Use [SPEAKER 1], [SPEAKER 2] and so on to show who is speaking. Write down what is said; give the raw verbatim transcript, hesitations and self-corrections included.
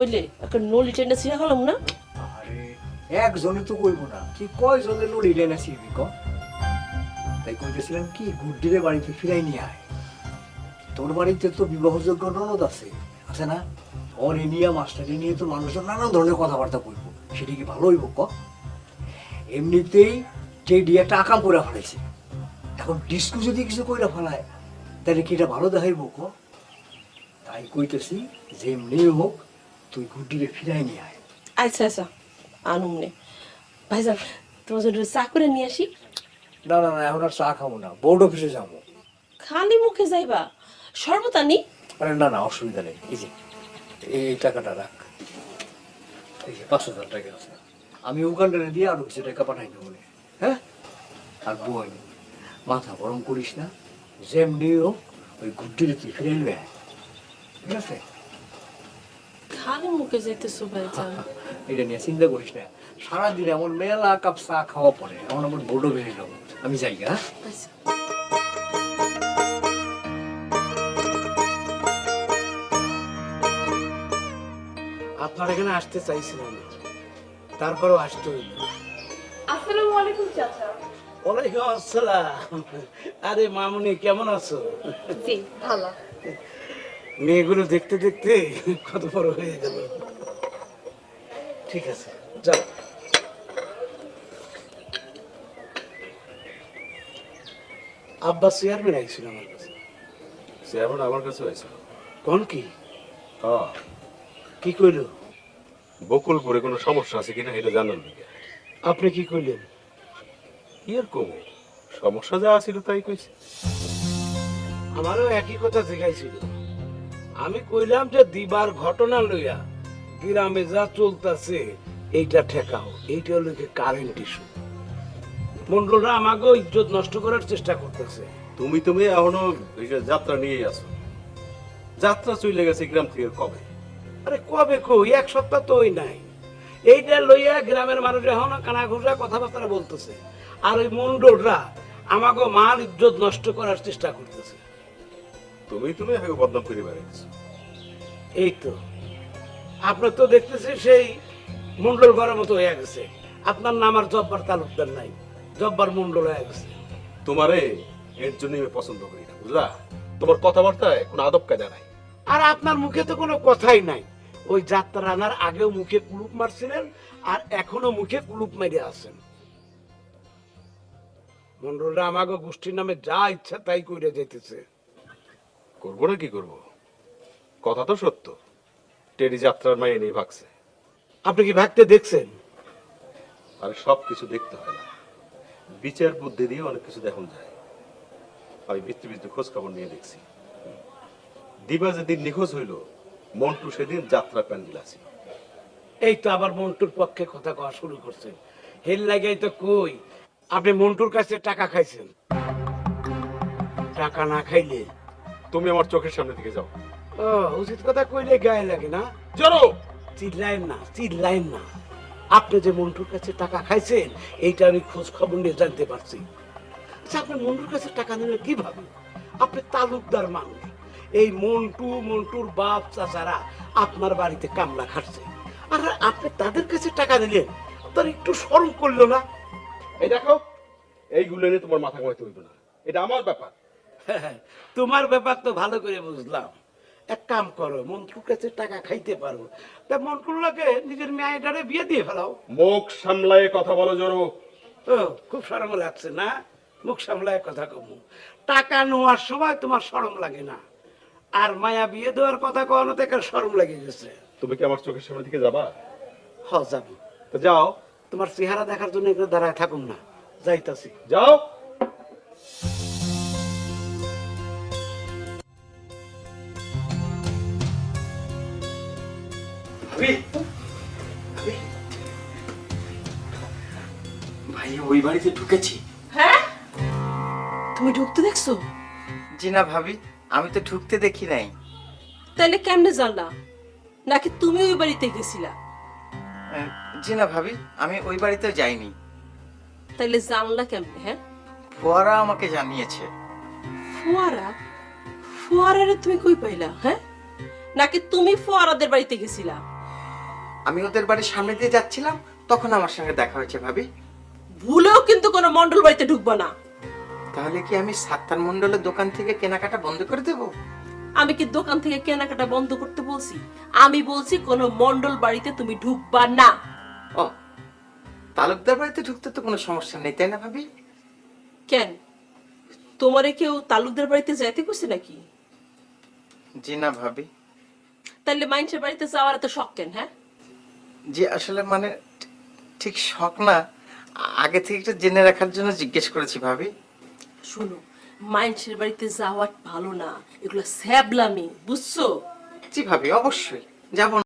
[SPEAKER 1] বুঝলে একটা নলি টেন্ডা ছিঁড়া হলাম না।
[SPEAKER 2] আরে একজনে তো কইব না, কি কয়জনের নলি টেনে ছিড়বি ক? তাই কইতেছিলাম কি গুড্ডিরে বাড়িতে ফিরাই নিয়ে আয়। তোর বাড়িতে তো বিবাহযোগ্য ননদ আছে আছে না? ওর নিয়ে মাস্টারি নিয়ে তো মানুষজন নানান ধরনের কথাবার্তা কইব, সেটা কি ভালো হইব ক? এমনিতেই যে ডিয়াটা আকাম করে ফেলাইছে, এখন ডিস্কু যদি কিছু কইরা ফেলায় তাহলে কি এটা ভালো দেখাইব ক? তাই কইতেছি যে এমনি হোক তুই গুড্ডিরে ফিরাই নিয়ে আয়।
[SPEAKER 1] আচ্ছা আচ্ছা আনুম নে। ভাইজান তোমার জন্য চা করে নিয়ে আসি।
[SPEAKER 2] না না না, এখন আর চা খাবো না, বোর্ড অফিসে যাবো।
[SPEAKER 1] খালি মুখে যাইবা? শরবত আনি?
[SPEAKER 2] আরে না না, অসুবিধা নেই, এই যে এই টাকাটা রাখ, এই যে পাঁচ হাজার টাকা আছে, আমি ওখানটারে দিয়ে আরো কিছু টাকা পাঠাই দেবো। হ্যাঁ, আর বই মাথা গরম করিস না, যেমনি হোক ওই গুড্ডিরে তুই ফিরে নেবে, ঠিক আছে?
[SPEAKER 1] খালি মুখে যাইতেছো ভাইজান।
[SPEAKER 2] এটা নিয়ে চিন্তা করিস না, সারাদিন এমন মেলা কাপ চা খাওয়া পরে এমন আমার বোর্ডও বেড়ে যাবো। আমি যাই। হ্যাঁ
[SPEAKER 1] আচ্ছা
[SPEAKER 3] আপনার এখানে আসতে চাইছিলাম, তারপরেও আসতে হইল।
[SPEAKER 1] আসসালামু আলাইকুম চাচা।
[SPEAKER 3] ওয়ালাইকুম আসসালাম। আরে মামুনি, কেমন আছো?
[SPEAKER 1] জি ভালো।
[SPEAKER 3] মেয়েগুলো দেখতে দেখতে কত বড় হয়ে গেল। ঠিক আছে, যাও। আব্বা চেয়ারম্যান আইছিল আমার কাছে।
[SPEAKER 4] চেয়ারম্যান আমার কাছে হয়েছিল।
[SPEAKER 3] কোন কি
[SPEAKER 4] হ্যাঁ,
[SPEAKER 3] কি কইল?
[SPEAKER 4] বকুলপুরে কোনো সমস্যা আছে কিনা এটা জানার দিকে।
[SPEAKER 3] আপনি কি কইলেন?
[SPEAKER 4] কি আর কমে, সমস্যা যা ছিল তাই কইছে।
[SPEAKER 3] আমারও একই কথা শিখাইছিল। আমি কইলাম যে দিবার ঘটনা লইয়া গ্রামে যা চলতেছে এইটা ঠেকাও, এইটা হলো কারেন্ট ইস্যু। মন্ডলরা আমাকে ইজ্জত নষ্ট করার চেষ্টা করতেছে।
[SPEAKER 4] তুমি তুমি এখনো এই যে যাত্রা নিয়েই আছো। যাত্রা চলে গেছে গ্রাম থেকে কবে?
[SPEAKER 3] আরে কবে কই, এক সপ্তাহ তো ওই নাই। এইটা লইয়া গ্রামের মানুষ এখনো কানা ঘুষা কথাবার্তা বলতেছে, আর ওই মন্ডলরা আমাকে মাল ইজ্জত নষ্ট করার চেষ্টা করতেছে।
[SPEAKER 4] তুমি তুমি আগে বদনাম করে বেড়াইছো।
[SPEAKER 3] এই তো আপনার তো দেখতেছি সেই মন্ডল ঘরের মতো হয়ে গেছে। আপনার নাম আর জব্বার তালুকদার নাই, জব্বার মন্ডল হয়ে গেছে।
[SPEAKER 4] তোমারে এর জন্য আমি পছন্দ করি না, বুঝলা? তোমার কথাবার্তায় কোনো আদব কায়দা নাই।
[SPEAKER 3] আর আপনার মুখে তো কোনো কথাই নাই। ওই যাত্রা আনার আগেও মুখে কুলুপ মারছিলেন, আর এখনো মুখে কুলুপ মেরে আছেন। মন্ডলরা আমাকে গোষ্ঠীর নামে যা ইচ্ছা তাই কইরে যেতেছে।
[SPEAKER 4] করবো না কি করবো, কথা তো সত্য। টেরি যাত্রার মাইয়ে নিয়ে ভাগছে।
[SPEAKER 3] আপনি কি ভাগতে দেখছেন?
[SPEAKER 4] আর সব কিছু দেখতে হয় না, বিচার বুদ্ধি দিয়ে অনেক কিছু দেখন যায়। আমি বৃত্তি বৃত্তি খোঁজ খবর নিয়ে দেখছি। দিবা যেদিন নিখোঁজ হইল, মন্টু সেদিন যাত্রা প্যান্ডেল আছে।
[SPEAKER 3] এই তো আবার মন্টুর পক্ষে কথা কওয়া শুরু করছেন। হেল লাগাই তো কই, আপনি মন্টুর কাছে টাকা খাইছেন। টাকা না খাইলে
[SPEAKER 4] তুমি আমার চোখের সামনে থেকে যাও।
[SPEAKER 3] ও উচিত কথা কইলে গায়ে লাগে না।
[SPEAKER 4] চলো।
[SPEAKER 3] চিল্লাইন না, চিল্লাইন না। আপনি যে মন্টুর কাছে টাকা খাইছেন এইটা আমি খোঁজ খবর নিয়ে জানতে পারছি। আচ্ছা, আপনি মন্টুর কাছে টাকা নিলেন কিভাবে? আপনি তালুকদার মানুষ। এই মন্টু, মন্টুর বাপ চাচারা আপনার বাড়িতে কামলা খাটছে, আর আপনি তাদের কাছে টাকা দিলেন, তার একটু শরম করলো না?
[SPEAKER 4] এই দেখো, এইগুলো নিয়ে তোমার মাথা ঘামাইতে হইবে না, এটা আমার ব্যাপার।
[SPEAKER 3] তোমার ব্যাপার তো ভালো করে বুঝলাম। এক কাম করো, মন্টুর কাছে টাকা খাইতে পারো, তা মন্টুর লাগে নিজের মেয়েটারে বিয়ে দিয়ে ফেলাও।
[SPEAKER 4] মুখ সামলায়ে কথা বলো জোরো।
[SPEAKER 3] ও খুব শরম লাগছে না? মুখ সামলায় কথা কমু। টাকা নেওয়ার সময় তোমার শরম লাগে না, আর মায়া বিয়ে দেওয়ার কথা কখনো থেকে শরম লেগে গেছে।
[SPEAKER 4] তুমি কি আমার চোখের সামনে থেকে যাবা?
[SPEAKER 3] হ যাবো।
[SPEAKER 4] তো যাও।
[SPEAKER 3] তোমার চেহারা দেখার জন্য এগুলো দাঁড়ায় থাকুন না, যাইতাছি।
[SPEAKER 4] যাও।
[SPEAKER 5] ভাই ওই বাড়িতে ঢুকেছি।
[SPEAKER 1] হ্যাঁ তুমি ঢুকতে দেখছো?
[SPEAKER 5] জি না ভাবি, আমি তো ঢুকতে দেখি নাই।
[SPEAKER 1] তাহলে কেমনে জানলা? নাকি তুমি ওই বাড়িতে গেছিলা?
[SPEAKER 5] আহ, জি না ভাবি, আমি ওই বাড়িতে যাইনি।
[SPEAKER 1] তাহলে জানলা কেমনে? হ্যাঁ,
[SPEAKER 5] ফোয়ারা আমাকে জানিয়েছে।
[SPEAKER 1] ফোয়ারা? ফোয়ারারে তুমি কই পাইলা? হ্যাঁ, নাকি তুমি ফোয়ারাদের বাড়িতে গেছিলা?
[SPEAKER 5] আমি ওদের বাড়ির সামনে দিয়ে যাচ্ছিলাম, তখন আমার সঙ্গে দেখা হয়েছে ভাবি।
[SPEAKER 1] ভুলেও কিন্তু কোনো মন্ডল বাড়িতে ঢুকবো না।
[SPEAKER 5] তাহলে কি আমি সাত্তার মণ্ডলের দোকান থেকে কেনাকাটা বন্ধ করে দেবো?
[SPEAKER 1] আমি কি দোকান থেকে কেনাকাটা বন্ধ করতে বলছি? আমি বলছি কোনো মন্ডল বাড়িতে তুমি ঢুকবা না।
[SPEAKER 5] ও, তালুকদার বাড়িতে ঢুকতে তো কোনো সমস্যা নেই, তাই না ভাবি?
[SPEAKER 1] কেন, তোমারে কেউ তালুকদার বাড়িতে যাইতে কইছে নাকি?
[SPEAKER 5] জি না ভাবি।
[SPEAKER 1] তাইলে মানুষের বাড়িতে যাওয়ার এত শখ কেন? হ্যাঁ,
[SPEAKER 5] জি আসলে মানে ঠিক শখ না, আগে থেকে একটু জেনে রাখার জন্য জিজ্ঞেস করেছি ভাবি।
[SPEAKER 1] শুনো, মানুষের বাড়িতে যাওয়া ভালো না, এগুলো স্যাবলামি, বুঝছো?
[SPEAKER 5] জি ভাবি, অবশ্যই যাব।